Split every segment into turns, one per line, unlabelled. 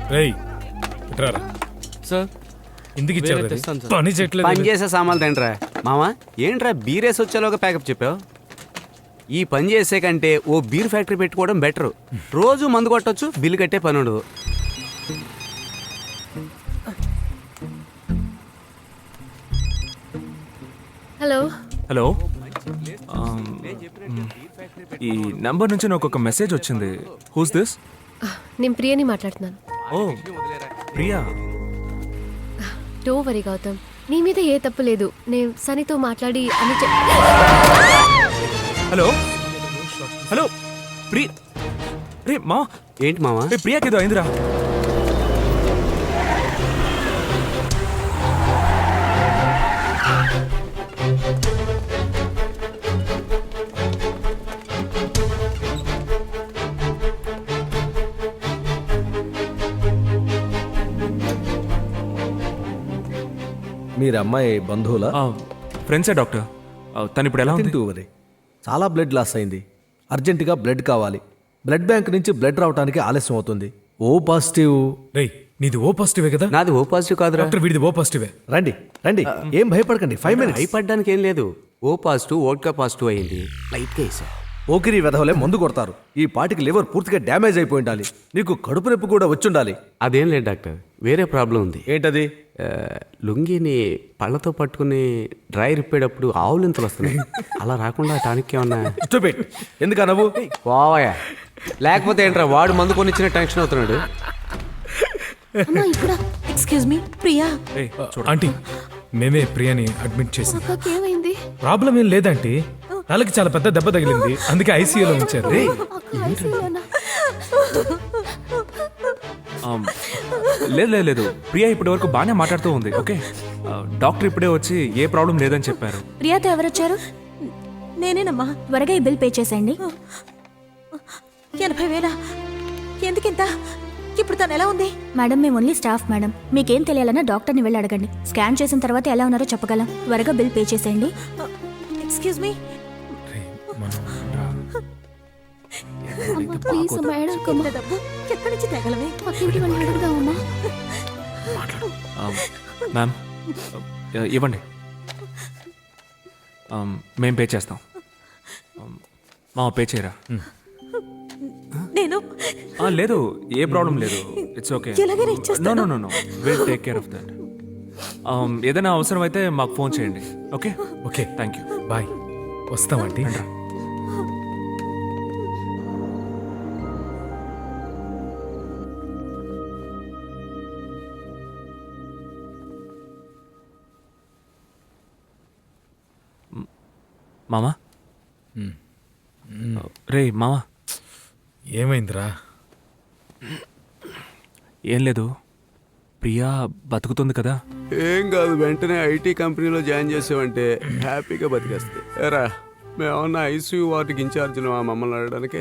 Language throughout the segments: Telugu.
రేయ్ ఇట్రారా.
సార్
ఇందుకు ఇచ్చారు
వేరే
అది?
తెస్తాను సార్.
పని చేయట్లేదు.
పని చేసే సామాన్లు తింటరా మామా. ఏంట్రా బీరేసి వచ్చేలోగా ప్యాకప్ చెప్పావు? ఈ పని చేసే కంటే ఓ బీర్ ఫ్యాక్టరీ పెట్టుకోవడం బెటర్. రోజు మందు కొట్టొచ్చు, బిల్లు కట్టే పని ఉండదు.
హలో.
హలో ఈ నంబర్ నుంచి నాకు ఒక మెసేజ్ వచ్చింది. Who's this?
నేను ప్రియని మాట్లాడుతున్నాను.
ఓ ప్రియా.
డో వరీ గౌతమ్, నీ మీద ఏ తప్పు లేదు. నేను సనీతో మాట్లాడి అని
హలో హలో ప్రియ. రే మా
ఏంటి మామా?
ప్రియాకి ఏదో అయిందిరా.
మీరు అమ్మాయి బంధువులా?
ఫ్రెండ్సే డాక్టర్. తను ఇప్పుడు ఎలా ఉంది?
వరి చాలా బ్లడ్ లాస్ అయింది. అర్జెంటుగా బ్లడ్ కావాలి. బ్లడ్ బ్యాంక్ నుంచి బ్లడ్ రావడానికి ఆలస్యం అవుతుంది. O positive.
రేయ్ నీది ఓ పాజిటివే కదా?
నాది ఓ పాజిటివ్ కాదురా.
డాక్టర్ వీడిది ఓ పాజిటివే.
రండి రండి, ఏం భయపడకండి. 5 minutes.
భయపడ్డానికి ఏం లేదు. ఓ పాజిటివ్ ఓట్కా పాజిటివ్ అయింది. లైట్గా వేసా.
ఓకిరి వెధవలే మందు కొడతారు. ఈ పాటికి లివర్ పూర్తిగా డ్యామేజ్ అయిపోయి ఉండాలి. నీకు కడుపు నొప్పి కూడా వచ్చుండాలి.
అదేం లేదు డాక్టర్, వేరే ప్రాబ్లం ఉంది.
ఏంటది?
లుంగిని పళ్ళతో పట్టుకుని డ్రై రిప్పేటప్పుడు ఆవులింతలు వస్తున్నాయి. అలా రాకుండా టానిక్ ఏమన్నా?
స్టూపిడ్. ఎందుకు అనవు?
పోవాయా. లేకపోతే ఏంట్రా, వాడు మందు కొనిచ్చిన టెన్షన్ అవుతున్నాడు.
Excuse me Priya.
ఏయ్, చూడు.
ఆంటీ మేమే ప్రియాని అడ్మిట్ చేసి.
ఏమైంది?
ప్రాబ్లం ఏం లేదంటీ, తలకి చాలా పెద్ద దెబ్బ తగిలింది, అందుకే ఐసీయూలో ఉంచారు.
లేదు లేదు లేదు, ప్రియా ఇప్పటి వరకు బాగానే మాట్లాడుతూ ఉంది. ఓకే, డాక్టర్ ఇప్పుడే వచ్చి ఏ ప్రాబ్లం లేదని చెప్పారు.
ప్రియాతో ఎవరొచ్చారు? నేనేనమ్మా. త్వరగా ఈ బిల్ పే చేసేయండి. 80,000. ఎందుకింత? ఇప్పుడు తను ఎలా ఉంది? మేడం మేము ఓన్లీ స్టాఫ్ మేడం. మీకేం తెలియాలన్నా డాక్టర్ని వెళ్ళి అడగండి. స్కాన్ చేసిన తర్వాత ఎలా ఉన్నారో చెప్పగలం. త్వరగా బిల్ పే చేసేయండి. Excuse me. ఎక్కడి నుంచి తగలవే?
మ్యామ్ ఇవ్వండి, మేం పే చేస్తాం. మా పే చేయరా?
నేను
లేదు, ఏ ప్రాబ్లం లేదు. It's okay. No no no no, will take care of that. ఏదైనా అవసరం అయితే మాకు ఫోన్ చేయండి. Okay
okay
thank you.
Bye. వస్తామంటీ.
మామా. రే మామా.
ఏమైందిరా?
ఏం లేదు, ప్రియా బతుకుతుంది కదా.
ఏం కాదు, వెంటనే ఐటీ కంపెనీలో జాయిన్ చేసావంటే హ్యాపీగా బతికేస్తాయి. ఎరా మేమన్నా ఐసీయూ వార్డుకి ఇన్ఛార్జ్లు మమ్మల్ని అడగడానికి.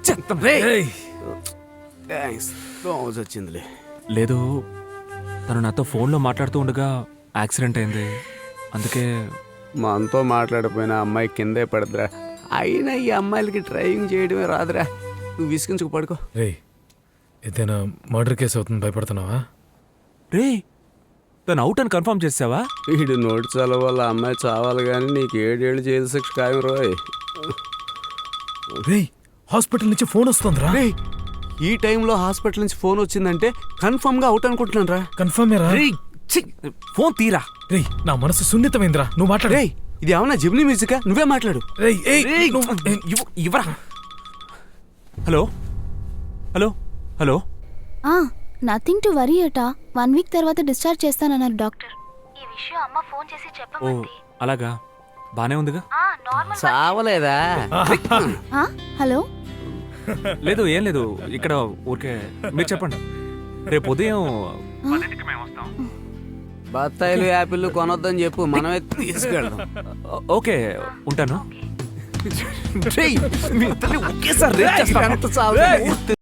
థ్యాంక్స్, వచ్చిందిలే.
లేదు, తను నాతో ఫోన్లో మాట్లాడుతూ ఉండగా యాక్సిడెంట్ అయింది. అందుకే
మనతో మాట్లాడిపోయిన అమ్మాయి కిందే పడదురా. అయినా ఈ అమ్మాయిలకి డ్రైవింగ్ చేయడమే రాదురా. నువ్వు విసిగించుకు పడుకో.
రేయ్ ఏదైనా మర్డర్ కేసు అవుతుంది, భయపడుతున్నావా?
రే, తను అవుట్ అని కన్ఫర్మ్ చేసావా?
వీడు నోటి చాలా వాళ్ళ అమ్మాయి చావాలి కానీ నీకు 7 ఏళ్ళు జైలు శిక్ష ఖాయం రోయ్.
రేయ్ హాస్పిటల్ నుంచి ఫోన్ వస్తుందిరా.
రేయ్ ఈ టైంలో హాస్పిటల్ నుంచి ఫోన్ వచ్చిందంటే కన్ఫర్మ్ గా అవుట్ అనుకుంటున్నాను రా.
కన్ఫర్మ్ రా.
ఫోన్ తీరా.
రేయ్ నా మనసు సున్నితమైందిరా, నువ్వు మాట్లాడు.
రేయ్ ఇది ఏమన్నా జిమ్నీ మ్యూజికా? నువ్వే మాట్లాడు.
రేయ్
ఇవ్వరా. Hello hello hello.
Nothing to worry అట. 1 వీక్ తర్వాత డిశ్చార్జ్ చేస్తానన్నారు డాక్టర్.
ఈ విషయం అమ్మ ఫోన్ చేసి
ఓ
చెప్పమంది.
అలాగా, బానే ఉందిగా.
చావలేదా?
హలో.
లేదు ఏం లేదు, ఇక్కడ ఊరికే మీరు చెప్పండి. రేపు ఉదయం
బత్తాయిలు యాపిల్ కొనొద్దని చెప్పు, మనమే తీసుకెళ్దాం.
ఓకే ఉంటాను.
ఒకేసారి